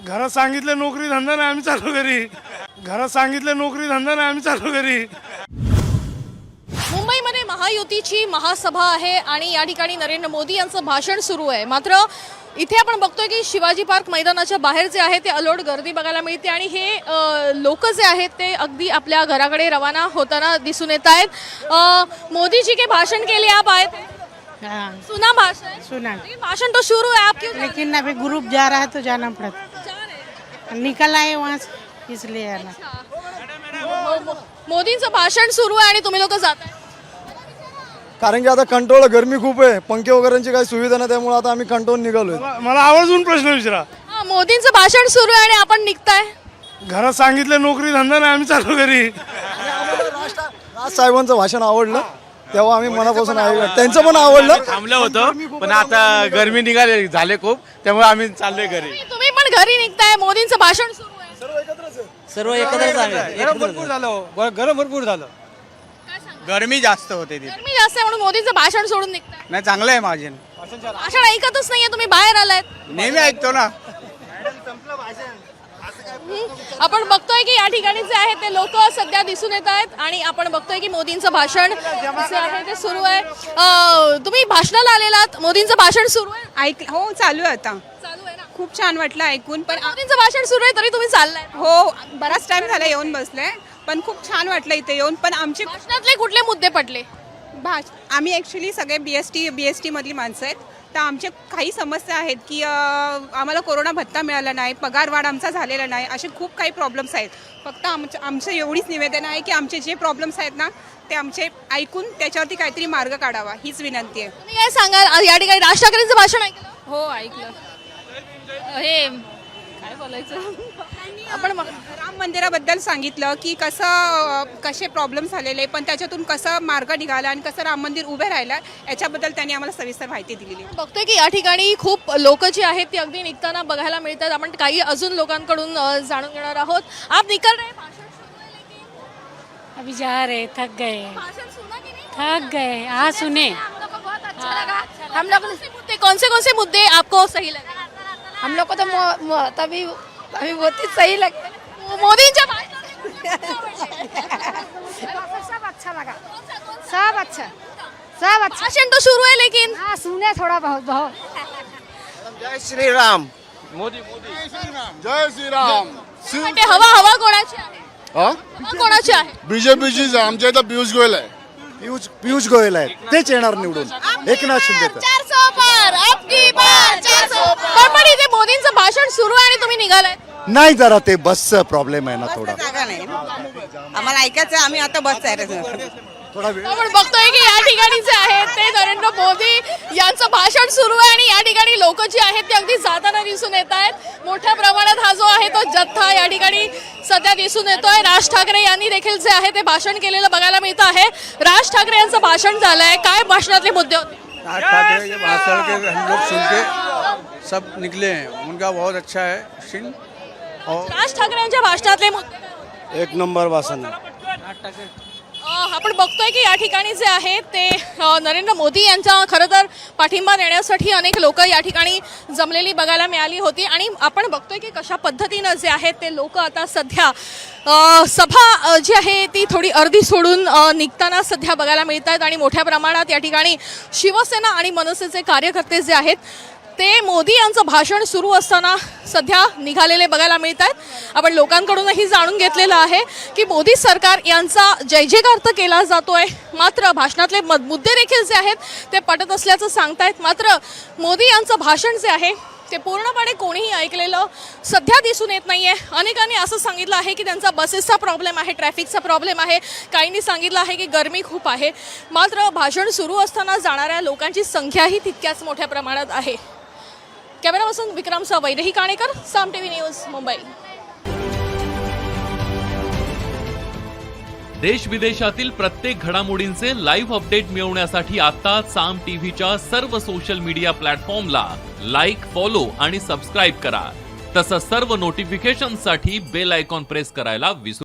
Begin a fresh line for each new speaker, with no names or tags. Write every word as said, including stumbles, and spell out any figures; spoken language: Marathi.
घरात सांगितलं नोकरी धंदा नाही आम्ही चालू घरी घरात सांगितलं नोकरी धंदा नाही आम्ही चालू घरी
मुंबईमध्ये महायुतीची महासभा आहे आणि या ठिकाणी नरेंद्र मोदी यांचं भाषण सुरू आहे। मात्र इथे आपण बघतोय की शिवाजी पार्क मैदानाच्या बाहेर जे आहे ते अलोट गर्दी बघायला मिळते आणि हे लोक जे आहेत ते अगदी आपल्या घराकडे रवाना होताना दिसून येत आहेत। मोदी जी के भाषण के लिए आप आए थे?
हाँ,
सुना भाषण?
सुना।
लेकिन भाषण तो शुरू है, आप क्यों जा रहे हैं?
लेकिन अभी ग्रुप जा रहा है तो जाना पड़ता
जा रहे हैं?
निकल आए वहाँ से इसलिए आना।
मो- मो- मोदींचं भाषण सुरू आहे आणि तुम्ही लोक जात आहे?
कारण की आता कंट्रोल गरमी खूप आहे, पंखे वगैरेची काही सुविधा नाही, त्यामुळे आता आम्ही कंट्रोल निघालोय।
मला मला आवर्जून प्रश्न विचारा।
हा, मोदींचं भाषण सुरू आहे आणि आपण निघताय?
घरात सांगितलं नोकरी धंदा नाही आम्ही चालू घरी
राज साहेबांचं भाषण आवडलं तेव्हा आम्ही मनापासून ऐकलं, त्यांचं पण आवडलं।
थांबलं होतं पण आता गरमी निघाले झाले खूप, त्यामुळे आम्ही चाललोय घरी।
तुम्ही- तुम्ही पण घरी निघताय, मोदींचं भाषण सुरू आहे,
सर्व एकत्रच आहे।
गरम भरपूर झालं गरम भरपूर झालं
काय सांगता?
गरमी जास्त होते ती।
गरमी जास्त आहे म्हणून मोदींचं भाषण सोडून निघताय?
नाही चांगलं आहे माझे,
भाषण ऐकतच नाहीये तुम्ही, बाहेर आलायत।
नेहमी ऐकतो ना।
आपण बघतोय की या ठिकाणी जे आहे ते लोक सध्या दिसून येत आहेत आणि आपण बघतोय की मोदींचं भाषण जे आहे ते सुरू आहे। अं, तुम्ही भाषणाला आलेलात, मोदींचं भाषण सुरू आहे?
ऐक हो चालू आहे आता।
चालू आहे ना?
खूप छान वाटलं ऐकून, पण आ-
मोदींचं भाषण सुरू आहे तरी तुम्ही चाललाय?
हो बराच टाइम झाला येऊन बसले, पण खूप छान वाटलं इथे येऊन। पण आमचे
भाषणातले कुठले मुद्दे पडले?
भाष आम्ही ॲक्च्युली सगळे B S T B S T मधली माणसं आहेत, तर आमचे काही समस्या आहेत की अं, आम्हाला कोरोना भत्ता मिळाला नाही, पगार वाढ आमचा झालेला नाही, असे खूप काही प्रॉब्लेम्स आहेत। फक्त आमचं आमचं एवढीच निवेदन आहे की आमचे जे प्रॉब्लेम्स आहेत ना ते आमचे ऐकून त्याच्यावरती काहीतरी मार्ग काढावा, हीच विनंती आहे।
तुम्ही काय सांगाल? या ठिकाणी राज ठाकरेंचं भाषण ऐकलं?
हो ऐकलं। हे काय बोलायचं
आपण मग-
राम मंदिराबद्दल सांगितलं की कसं कसे प्रॉब्लेम झालेले, पण त्याच्यातून कसं मार्ग निघाला आणि कसं राम मंदिर उभे राहिलं याच्याबद्दल त्यांनी आम्हाला सविस्तर माहिती दिलेली आहे।
बघतोय की या ठिकाणी खूप लोक जी आहेत ती अगदी निघताना बघायला मिळतात। आपण काही अजून लोकांकडून अ, जाणून घेणार आहोत। आप निकल रहे हैं, भाषण सुरू है लेकिन
अभी जा रहे, थक गए
भाषण सुना कि नहीं?
थक गए। हाँ सुने।
हम लोग को बहुत अच्छा लगा। हम लोग कौन से मुद्दे कौन से कौन से मुद्दे आपको सही लगे?
हम लोग को तो मो- मो- तभी अभी बहुत ही सही लगता है।
मोदींच्या भाषणातले कुठले मुद्दे आवडले?
सब अच्छा लगा, सब अच्छा, सब अच्छा।
भाषण तो शुरू है लेकिन
हाँ सुने थोड़ा बहुत बहुत।
जय श्री राम।
जय श्रीराम।
वाटते हवा हवा कोणाची आहे? हवा कोणाची आहे?
बीजेपीची आमच्या इथं पियुष गोयल आहे।
पियुष पियुष गोयल आहेत, तेच येणार निवडून एकनाथ शिंदे तर।
चार सौ पार, अब की बार चार सौ पार। पण इथे मोदींचं भाषण सुरू आहे आणि तुम्ही निघालाय?
नाही, जरा ते बसचा प्रॉब्लेम आहे ना थोडा
जागा नाही आम्हाला ऐकायचं, आम्ही आता बस आहे।
थोडा वेळ
आपण बघतोय की या ठिकाणी जे आहे ते नरेंद्र मोदी यांचं भाषण सुरू आहे आणि या ठिकाणी लोक जी आहेत ते अगदी जाताना दिसून येत आहेत। मोठ्या प्रमाणात हा जो आहे तो जथ्था या ठिकाणी सध्या दिसून येतोय। राज ठाकरे यांनी देखील जे आहे ते भाषण केलेलं बघायला मिळत आहे। राज ठाकरे यांचं भाषण झालंय, काय भाषणातले मुद्दे होते?
राज ठाकरे के भाषण के हम लोग सुन के सब निकले हैं, उनका बहुत अच्छा है सीन। और
राज ठाकरे यांच्या भाषणातले मुद्दे
एक नंबर भाषण आहे।
अ, आपण बघतोय की या ठिकाणी जे आहे ते अ, नरेंद्र मोदी यांचा खरं तर पाठिंबा देण्यासाठी अनेक लोक या ठिकाणी जमलेली बघायला मिळाली होती आणि आपण बघतोय की कशा पद्धतीनं जे आहेत ते लोक आता सध्या अ, सभा अ, जी आहे ती थोडी अर्धी सोडून अ, निघताना सध्या बघायला मिळत आहेत आणि मोठ्या प्रमाणात या ठिकाणी शिवसेना आणि मनसेचे कार्यकर्ते जे आहेत ते मोदी यांचं भाषण सुरू असताना सध्या निघालेले बघायला मिळत आहेत। आपण लोकांकडूनही जाणून घेतलेलं आहे की मोदी सरकार यांचा जय जयकार तर केला जातोय, मात्र भाषणातले मद- मुद्दे देखील जे आहेत ते पटत असल्याचं सांगतायत। मात्र मोदी यांचं भाषण जे आहे ते पूर्णपणे कोणीही ऐकलेलं सध्या दिसून येत नाहीये। अनेकांनी असं सांगितलं आहे की त्यांचा बसेसचा प्रॉब्लेम आहे, ट्रॅफिकचा प्रॉब्लेम आहे, काहींनी सांगितलं आहे की गरमी खूप आहे, मात्र भाषण सुरू असताना जाणाऱ्या लोकांची संख्याही तितक्याच मोठ्या प्रमाणात आहे। कॅमेरा पर्सन विक्रमसह वैदेही काणेकर, साम टीव्ही न्यूज, मुंबई।
देश विदेशातील प्रत्येक घडामोडींचे लाईव्ह अपडेट मिळवण्यासाठी आता साम टीव्हीच्या सर्व सोशल मीडिया प्लॅटफॉर्मला लाईक, फॉलो आणि सबस्क्राईब करा। तसंच सर्व नोटिफिकेशनसाठी बेल आयकॉन प्रेस करायला विसरू